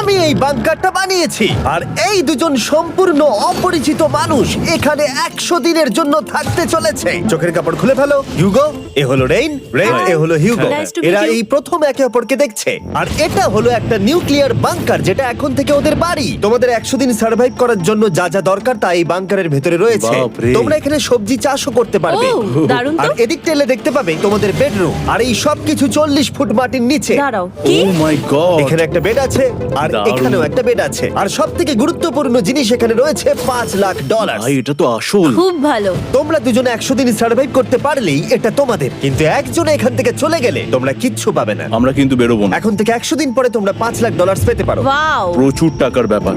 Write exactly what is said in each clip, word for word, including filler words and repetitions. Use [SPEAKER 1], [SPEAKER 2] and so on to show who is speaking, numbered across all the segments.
[SPEAKER 1] আমি এই বাংকারটা বানিয়েছি আর এই দুজন সম্পূর্ণ অপরিচিত মানুষ এখানে একশো দিনের জন্য থাকতে চলেছে। চোখের কাপড় খুলে ফেলো। হিউগো, এ হলো রেইন, রেইন এ হলো হিউগো।
[SPEAKER 2] Nice to meet
[SPEAKER 1] এরা
[SPEAKER 2] you.
[SPEAKER 1] এই প্রথম একে অপরকে দেখছে। আর এটা হলো একটা নিউক্লিয়ার বাংকার যেটা এখন থেকে ওদের বাড়ি। তোমাদের একশো দিন সার্ভাইভ করার জন্য যা যা দরকার তা এই বাংকারের ভেতরে রয়েছে।
[SPEAKER 3] বাপরে।
[SPEAKER 1] তোমরা এখানে সবজি চাষও করতে পারবে।
[SPEAKER 2] ও, দারুণ তো।
[SPEAKER 1] আর এদিক টেলে দেখতে পাবে তোমাদের বেডরুম। আর এই সব কিছু চল্লিশ ফুট মাটির নিচে।
[SPEAKER 2] দাঁড়াও, কি?
[SPEAKER 3] Oh my god.
[SPEAKER 1] এখানে একটা বেড আছে আর
[SPEAKER 3] দারুণ।
[SPEAKER 1] এখানেও একটা বেড আছে। আর সব থেকে গুরুত্বপূর্ণ জিনিস এখানে রয়েছে পাঁচ লাখ ডলার।
[SPEAKER 3] ভাই এটা তো আসল।
[SPEAKER 2] খুব ভালো।
[SPEAKER 1] তোমরা দুজনে একশো দিন সার্ভাইভ করতে পারলেই এটা তোমাদের, কিন্তু একজন এখান থেকে চলে গেলে তোমরা কিচ্ছু পাবে না।
[SPEAKER 3] আমরা কিন্তু বেরোবো না।
[SPEAKER 1] এখন থেকে একশো দিন পরে তোমরা পাঁচ লাখ ডলার পেতে পারো।
[SPEAKER 2] ওয়াও।
[SPEAKER 3] প্রচুর টাকার ব্যাপার।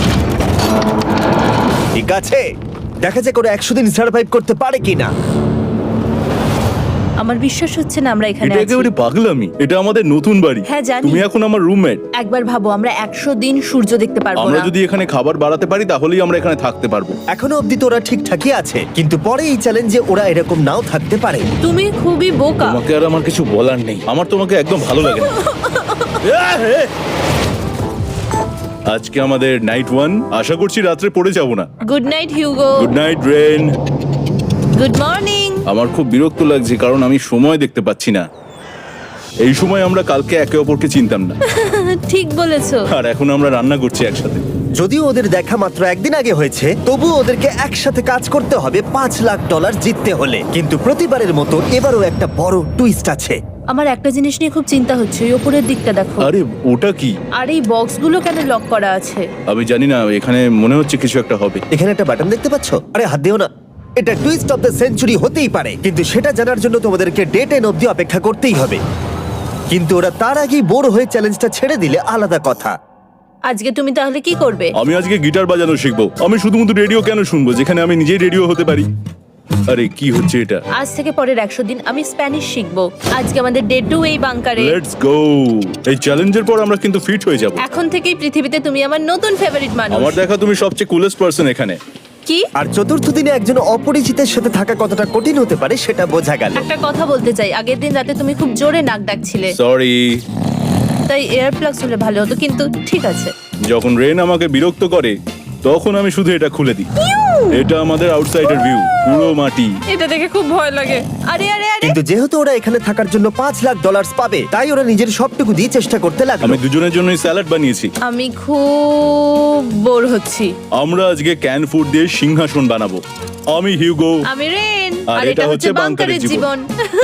[SPEAKER 1] ঠিক আছে, দেখা যাক ওরা একশো দিন সার্ভাইভ করতে পারে কিনা।
[SPEAKER 2] আমার বিশ্বাস হচ্ছে না আমরা এখানে
[SPEAKER 3] এটা
[SPEAKER 2] আছি।
[SPEAKER 3] একেবারে পাগলামি। এটা আমাদের নতুন বাড়ি।
[SPEAKER 2] হ্যাঁ, জানি।
[SPEAKER 3] তুমি এখন আমার রুমমেট।
[SPEAKER 2] একবার ভাবো, আমরা একশো দিন সূর্য দেখতে পারবো
[SPEAKER 3] আমরা
[SPEAKER 2] না।
[SPEAKER 3] যদি এখানে খাবার বাড়াতে পারি তাহলেই আমরা এখানে থাকতে পারবো।
[SPEAKER 1] এখনো অব্দি তো ওরা ঠিকঠাকই আছে, কিন্তু পরে এই চ্যালেঞ্জে ওরা এরকম নাও থাকতে পারে।
[SPEAKER 2] তুমি খুবই বোকা।
[SPEAKER 3] তোমাকে আর আমার কিছু বলার নেই। আমার তোমাকে একদম ভালো লাগে না। আজকে আমাদের নাইট ওয়ান। আশা করছি রাত্রে পড়ে যাব না।
[SPEAKER 2] Good night Hugo.
[SPEAKER 3] Good night Rain.
[SPEAKER 2] Good morning.
[SPEAKER 3] আমার খুব বিরক্ত লাগছে কারণ আমি সময় দেখতে পাচ্ছি না। এই সময় আমরা কালকে একে অপরকে চিনতাম না,
[SPEAKER 2] ঠিক বলেছো।
[SPEAKER 3] আর এখন আমরা রান্না করছি একসাথে।
[SPEAKER 1] যদিও ওদের দেখা মাত্র একদিন আগে হয়েছে, তবু ওদেরকে একসাথে কাজ করতে হবে পাঁচ লাখ ডলার জিততে হলে। কিন্তু প্রতিবারের মতো এবারও একটা বড় টুইস্ট আছে।
[SPEAKER 2] আমার একটা জিনিস নিয়ে খুব চিন্তা হচ্ছে, ওই উপরের দিকটা দেখো।
[SPEAKER 3] আরে ওটা কি?
[SPEAKER 2] আর এই বক্সগুলো কেন লক করা আছে?
[SPEAKER 3] আমি জানি না, এখানে মনে হচ্ছে কিছু একটা হবে।
[SPEAKER 1] এখানে একটা বাটন দেখতে পাচ্ছ? আরে হাত দিও না। এটা টুইস্ট অফ দ্য সেঞ্চুরি হতেই পারে, কিন্তু সেটা জানার জন্য তোমাদেরকে ডে টেন অব্দি অপেক্ষা করতেই হবে। কিন্তু ওরা তার আগেই বোর হয়ে চ্যালেঞ্জটা ছেড়ে দিলে আলাদা কথা।
[SPEAKER 2] আজকে তুমি তাহলে কি করবে?
[SPEAKER 3] আমি আজকে গিটার বাজানো শিখবো। আমি শুধুমাত্র রেডিও কেন শুনবো যেখানে আমি নিজেই রেডিও হতে পারি? আরে কি হচ্ছে এটা?
[SPEAKER 2] আজ থেকে পরের একশো দিন আমি স্প্যানিশ শিখবো। আজকে আমাদের ডে টু এই বাংকারে।
[SPEAKER 3] Let's go. এই চ্যালেঞ্জের পর আমরা কিন্তু ফিট হয়ে যাব।
[SPEAKER 2] এখন থেকেই পৃথিবীতে তুমি আমার নতুন ফেভারিট মানুষ।
[SPEAKER 3] আমার দেখা তুমি সবচেয়ে কুলেস্ট পারসন এখানে।
[SPEAKER 2] কি?
[SPEAKER 1] আর চতুর্থ দিনে একজন অপরিচিতের সাথে থাকা কতটা কঠিন হতে পারে সেটা বোঝা গেল।
[SPEAKER 2] একটা কথা বলতে চাই, আগের দিন রাতে তুমি খুব জোরে নাক ডাকছিলে,
[SPEAKER 3] সরি।
[SPEAKER 2] তাই এয়ার প্লাগস হলে ভালো হতো, কিন্তু ঠিক আছে।
[SPEAKER 3] যখন রেন আমাকে বিরক্ত করে তখন আমি শুধু এটা খুলে দিই। এটা আমাদের আউটসাইডার ভিউ, পুরো মাটি।
[SPEAKER 2] এটা দেখে খুব ভয় লাগে। আরে আরে আরে,
[SPEAKER 1] কিন্তু যেহেতু ওরা এখানে থাকার জন্য পাঁচ লাখ ডলার পাবে, তাই ওরা নিজের সবটুকু দিয়ে চেষ্টা করতে লাগলো।
[SPEAKER 3] আমি দুজনের জন্যই স্যালাড বানিয়েছি।
[SPEAKER 2] আমি খুব বোর হচ্ছি।
[SPEAKER 3] আমরা আজকে ক্যান ফুড দিয়ে সিংহাসন বানাবো। আমি হিউগো।
[SPEAKER 2] আমি রেন,
[SPEAKER 3] আর
[SPEAKER 2] আর
[SPEAKER 3] এটা
[SPEAKER 2] এটা হচ্ছে
[SPEAKER 3] হচ্ছে
[SPEAKER 2] বাংকারের
[SPEAKER 3] বাংকারের
[SPEAKER 2] জীবন।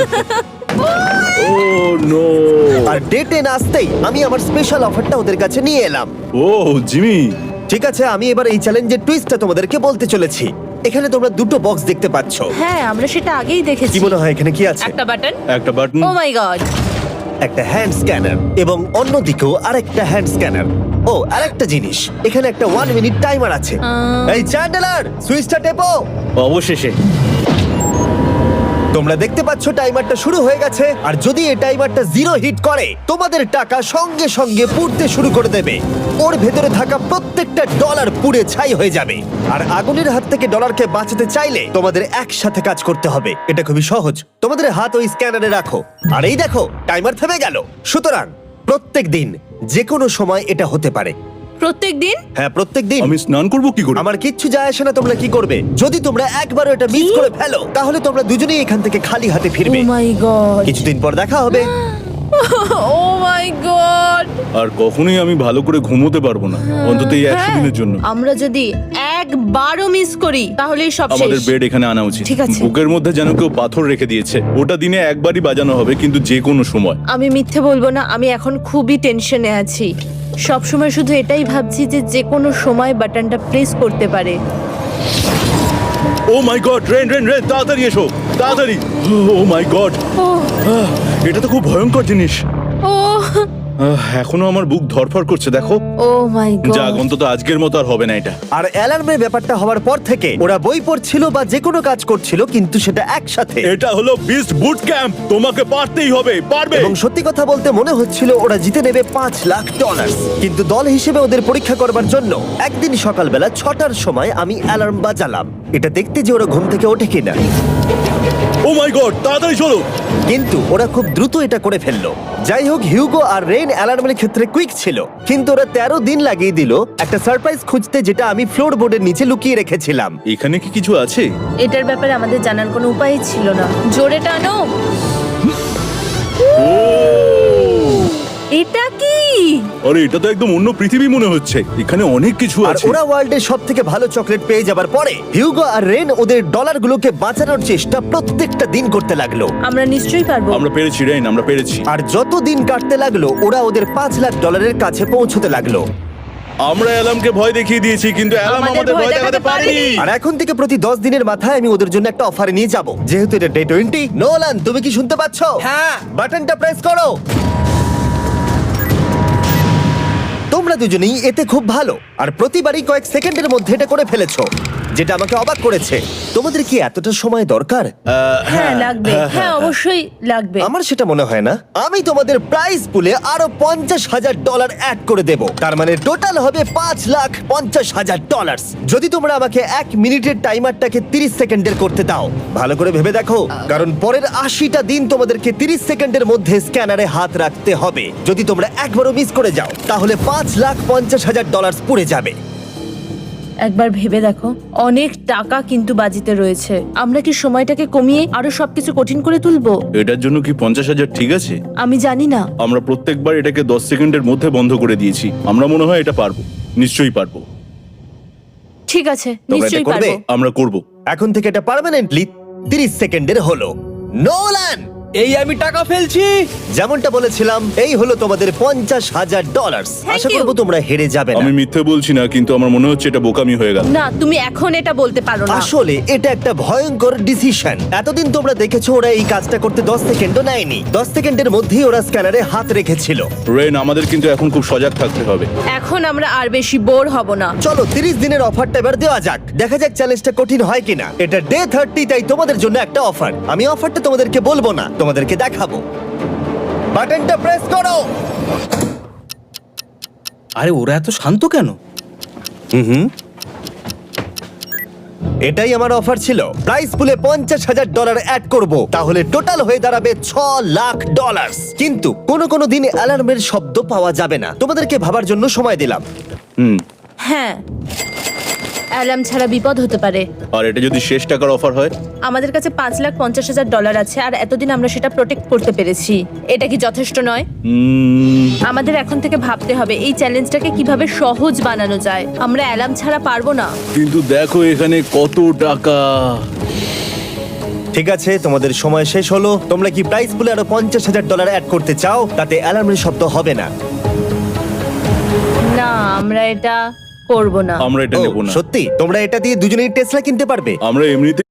[SPEAKER 3] Oh no.
[SPEAKER 1] আর ডে টেন আসতেই আমি আমার স্পেশাল অফারটা ওদের কাছে নিয়ে এলাম।
[SPEAKER 3] Oh Jimmy.
[SPEAKER 1] ঠিক আছে, আমি এবার এই চ্যালেঞ্জের টুইস্টটা তোমাদেরকে বলতে চলেছি। এখানে তোমরা দুটো বক্স দেখতে পাচ্ছ।
[SPEAKER 2] হ্যাঁ, আমরা সেটা আগেই
[SPEAKER 1] কি
[SPEAKER 2] দেখেছি।
[SPEAKER 1] মনে হয় এখানে কি আছে?
[SPEAKER 2] একটা বাটন।
[SPEAKER 3] একটা বাটন।
[SPEAKER 2] Oh my god.
[SPEAKER 1] একটা হ্যান্ড স্ক্যানার এবং অন্যদিকেও আরেকটা হ্যান্ড স্ক্যানার। ও আরেকটা জিনিস, এখানে একটা ওয়ান মিনিট টাইমার আছে।
[SPEAKER 2] আহ।
[SPEAKER 1] এই চ্যান্ডেলার, সুইচটা টেপো।
[SPEAKER 3] অবশেষে।
[SPEAKER 1] তোমরা দেখতে পাচ্ছ টাইমারটা শুরু হয়ে গেছে। আর যদি এই টাইমারটা জিরো হিট করে, তোমাদের টাকা সঙ্গে সঙ্গে পুড়তে শুরু করে দেবে। ওর ভেতরে থাকা প্রত্যেকটা ডলার পুড়ে ছাই হয়ে যাবে। আর আগুনের হাত থেকে ডলারকে বাঁচাতে চাইলে তোমাদের একসাথে কাজ করতে হবে। এটা খুবই সহজ। তোমাদের হাত ওই স্ক্যানারে রাখো, আর এই দেখো টাইমার থেমে গেল। সুতরাং প্রত্যেক দিন যে কোনো সময় এটা হতে পারে।
[SPEAKER 2] প্রত্যেক দিন?
[SPEAKER 1] হ্যাঁ, প্রত্যেক দিন।
[SPEAKER 3] আমি স্নান করব কি করে?
[SPEAKER 1] আমার কিচ্ছু যায় আসে না তোমরা কি করবে। যদি তোমরা একবারও এটা মিস করে ফেলো, তাহলে তোমরা দুজনেই এখান থেকে খালি হাতে
[SPEAKER 2] ও
[SPEAKER 1] ফিরবে।
[SPEAKER 2] My god.
[SPEAKER 1] কিছুদিন পর দেখা হবে।
[SPEAKER 2] ও মাই গড।
[SPEAKER 3] আর কখনোই আমি ভালো করে ঘুমোতে পারবো না, অন্তত এই একশো দিনের জন্য।
[SPEAKER 2] আমরা যদি একবারও মিস করি তাহলে সব
[SPEAKER 3] আমাদের
[SPEAKER 2] শেষ।
[SPEAKER 3] বেড এখানে আনা উচিত।
[SPEAKER 2] ঠিক আছে।
[SPEAKER 3] বুকের মধ্যে যেন কেউ পাথর রেখে দিয়েছে। ওটা দিনে একবারই বাজানো হবে, কিন্তু যে কোনো সময়।
[SPEAKER 2] আমি মিথ্যে বলবো না, আমি এখন খুবই টেনশনে আছি। সব সময় শুধু এটাই ভাবছি যে যে কোনো সময় বাটনটা প্রেস করতে পারে।
[SPEAKER 3] Oh my god, Rain Rain Rain, তাড়াতাড়ি এসো, তাড়াতাড়ি। ও মাই গড,
[SPEAKER 2] ও
[SPEAKER 3] এটা তো খুব ভয়ঙ্কর জিনিস।
[SPEAKER 2] ও
[SPEAKER 3] আহ, এখনো আমার বুক ধরফর করছে, দেখো।
[SPEAKER 2] Oh my god.
[SPEAKER 3] যাক, অন্তত আজকের মতো আর হবে না এটা।
[SPEAKER 1] আর অ্যালার্মের ব্যাপারটা হওয়ার পর থেকে ওরা বই পড়ছিল বা যে কোনো কাজ করছিল, কিন্তু সেটা একসাথে।
[SPEAKER 3] এটা হলো বিস্ট বুট ক্যাম্প, তোমাকে পারতেই হবে, পারবে।
[SPEAKER 1] এবং সত্যি কথা বলতে মনে হচ্ছিল ওরা জিতে নেবে পাঁচ লাখ ডলার। কিন্তু দল হিসেবে ওদের পরীক্ষা করবার জন্য একদিন সকালবেলা ছটার সময় আমি অ্যালার্ম বাজালাম, এটা দেখতে যে ওরা ঘুম থেকে ওঠে কিনা।
[SPEAKER 3] ও মাই গড, তাড়াতাড়ি চলো।
[SPEAKER 1] কিন্তু ওরা খুব দ্রুত এটা করে ফেললো। যাই হোক, হিউগো আর রেইন অ্যালার্মের ক্ষেত্রে কুইক ছিল, কিন্তু ওরা তেরো দিন লাগিয়ে দিল একটা সারপ্রাইজ খুঁজতে, যেটা আমি ফ্লোর বোর্ডের নিচে লুকিয়ে রেখেছিলাম।
[SPEAKER 3] এখানে কি কিছু আছে?
[SPEAKER 2] এটার ব্যাপারে আমাদের জানার কোনো উপায় ছিল না। জোরে টানো।
[SPEAKER 3] ও
[SPEAKER 2] এটা কি?
[SPEAKER 3] আরে এটা তো একদম অন্য পৃথিবী মনে হচ্ছে, এখানে অনেক কিছু
[SPEAKER 1] আর
[SPEAKER 3] আছে।
[SPEAKER 1] ওরা ওয়ার্ল্ডের সব থেকে ভালো চকলেট পেয়ে যাবার পরে হিউগো আর রেন ওদের ডলারগুলোকে বাঁচানোর চেষ্টা প্রত্যেকটা দিন করতে লাগলো।
[SPEAKER 2] আমরা নিশ্চয়ই পারবো।
[SPEAKER 3] আমরা পেরেছি রেইন, আমরা পেরেছি।
[SPEAKER 1] আর যত দিন কাটতে লাগলো, ওরা ওদের পাঁচ লাখ ডলারের কাছে পৌঁছতে লাগলো।
[SPEAKER 3] আমরা অ্যালামকে ভয় দেখিয়ে দিয়েছি, কিন্তু অ্যালাম
[SPEAKER 2] আমাদের
[SPEAKER 3] আমাদের
[SPEAKER 2] ভয়
[SPEAKER 3] ভয় দেখাতে
[SPEAKER 2] দেখাতে
[SPEAKER 3] পারেনি।
[SPEAKER 2] পারেনি।
[SPEAKER 1] আর এখন থেকে প্রতি দশ দিনের মাথায় আমি ওদের জন্য একটা অফার নিয়ে যাব, যেহেতু এটা ডে টোয়েন্টি। নোলান, তুমি কি শুনতে পাচ্ছ?
[SPEAKER 4] হ্যাঁ।
[SPEAKER 1] বাটনটা প্রেস করো। তোমরা দুজনেই এতে খুব ভালো, আর প্রতিবারই কয়েক সেকেন্ডের মধ্যে এটা করে ফেলেছো, যেটা আমাকে অবাক করেছে। তোমাদের কি এতটা সময় দরকার?
[SPEAKER 2] হ্যাঁ লাগবে, হ্যাঁ অবশ্যই লাগবে।
[SPEAKER 1] আমার সেটা মনে হয় না। আমি তোমাদের প্রাইস পুলে আরো পঞ্চাশ হাজার ডলার অ্যাড করে দেব, তার মানে টোটাল হবে পাঁচ লাখ পঞ্চাশ হাজার ডলার, যদি তোমরা আমাকে এক মিনিটের টাইমারটাকে তিরিশ সেকেন্ডের করতে দাও। ভালো করে ভেবে দেখো, কারণ পরের আশিটা দিন তোমাদেরকে তিরিশ সেকেন্ডের মধ্যে স্ক্যানারে হাত রাখতে হবে। যদি তোমরা একবারও মিস করে যাও, তাহলে পাঁচ লাখ পঞ্চাশ হাজার ডলার পুড়ে যাবে।
[SPEAKER 2] একবার ভেবে দেখো, অনেক টাকা কিন্তু বাজিতে রয়েছে। আমরা কি সময়টাকে কমিয়ে আরো সবকিছু কঠিন করে তুলবো?
[SPEAKER 3] এটার জন্য কি পঞ্চাশ হাজার ঠিক আছে?
[SPEAKER 2] আমি জানি না।
[SPEAKER 3] আমরা প্রত্যেকবার এটাকে দশ সেকেন্ডের মধ্যে বন্ধ করে দিয়েছি। আমরা মনে হয় এটা পারবো, নিশ্চয়ই পারবো।
[SPEAKER 2] ঠিক আছে,
[SPEAKER 1] তোমরা এটা
[SPEAKER 2] নিশ্চয়ই
[SPEAKER 1] করবে?
[SPEAKER 2] পারবো।
[SPEAKER 3] আমরা করব।
[SPEAKER 1] এখন থেকে এটা পার্মানেন্টলি তিরিশ সেকেন্ডের হলো। নোলান,
[SPEAKER 4] এই আমি টাকা ফেলছি।
[SPEAKER 1] যেমনটা বলেছিলাম, এই হলো তোমাদের পঞ্চাশ হাজার ডলার।
[SPEAKER 2] Thank
[SPEAKER 1] Asha
[SPEAKER 2] you.
[SPEAKER 1] করবো তোমরা হেরে যাবে না।
[SPEAKER 3] আমি মিথ্যে বলছি না, কিন্তু আমার মনে হচ্ছে এটা বোকামি হয়ে গেল।
[SPEAKER 2] না, তুমি এখন এটা বলতে পারো না।
[SPEAKER 1] আসলে এটা একটা ভয়ঙ্কর ডিসিশন। এতদিন তোমরা দেখেছো ওরা এই কাজটা করতে দশ সেকেন্ডও নেয়নি। দশ সেকেন্ডের মধ্যেই ওরা স্ক্যানারে হাত রেখেছিল।
[SPEAKER 3] রেন, আমাদের কিন্তু এখন খুব সজাগ থাকতে হবে।
[SPEAKER 2] এখন আমরা আর বেশি বোর হব না।
[SPEAKER 1] চলো তিরিশ দিনের অফারটা এবার দেওয়া যাক, দেখা যাক চ্যালেঞ্জটা কঠিন হয় কিনা। এটা ডে থার্টি, তাই তোমাদের জন্য একটা অফার। আমি অফারটা তোমাদেরকে বলবো না, তোমাদেরকে দেখাবো। বাটনটা প্রেস করো।
[SPEAKER 4] আরে ওরা এত শান্ত কেন?
[SPEAKER 1] হুম হুম এটাই আমার অফার ছিল। প্রাইস পুলে পঞ্চাশ হাজার ডলার অ্যাড করব, তাহলে টোটাল হয়ে দাঁড়াবে ছ লাখ ডলার। কিন্তু কোনো কোনো দিন অ্যালার্মের শব্দ পাওয়া যাবে না। তোমাদেরকে ভাবার জন্য সময় দিলাম।
[SPEAKER 3] হুম।
[SPEAKER 2] হ্যাঁ, অ্যালার্ম ছাড়া বিপদ হতে পারে।
[SPEAKER 3] আর এটা যদি শেষ টাকার অফার হয়?
[SPEAKER 2] আমাদের কাছে পাঁচ লাখ পঞ্চাশ হাজার ডলার আছে, আর এতদিন আমরা সেটা প্রোটেক্ট করতে পেরেছি। এটা কি যথেষ্ট নয়?
[SPEAKER 3] উম,
[SPEAKER 2] আমাদের এখন থেকে ভাবতে হবে এই চ্যালেঞ্জটাকে কিভাবে সহজ বানানো যায়। আমরা অ্যালার্ম ছাড়া পারবো না।
[SPEAKER 3] কিন্তু দেখো এখানে কত টাকা।
[SPEAKER 1] ঠিক আছে, তোমাদের সময় শেষ হলো। তোমরা কি প্রাইস পুলে আরো পঞ্চাশ হাজার ডলার অ্যাড করতে চাও? তাতে অ্যালার্মের শব্দ হবে না।
[SPEAKER 2] না, আমরা এটা করব না।
[SPEAKER 3] আমরা এটা
[SPEAKER 1] ও,
[SPEAKER 3] নেব না।
[SPEAKER 1] সত্যি? তোমরা এটা দিয়ে দুজনেই টেসলা কিনতে পারবে।
[SPEAKER 3] আমরা এমনিতে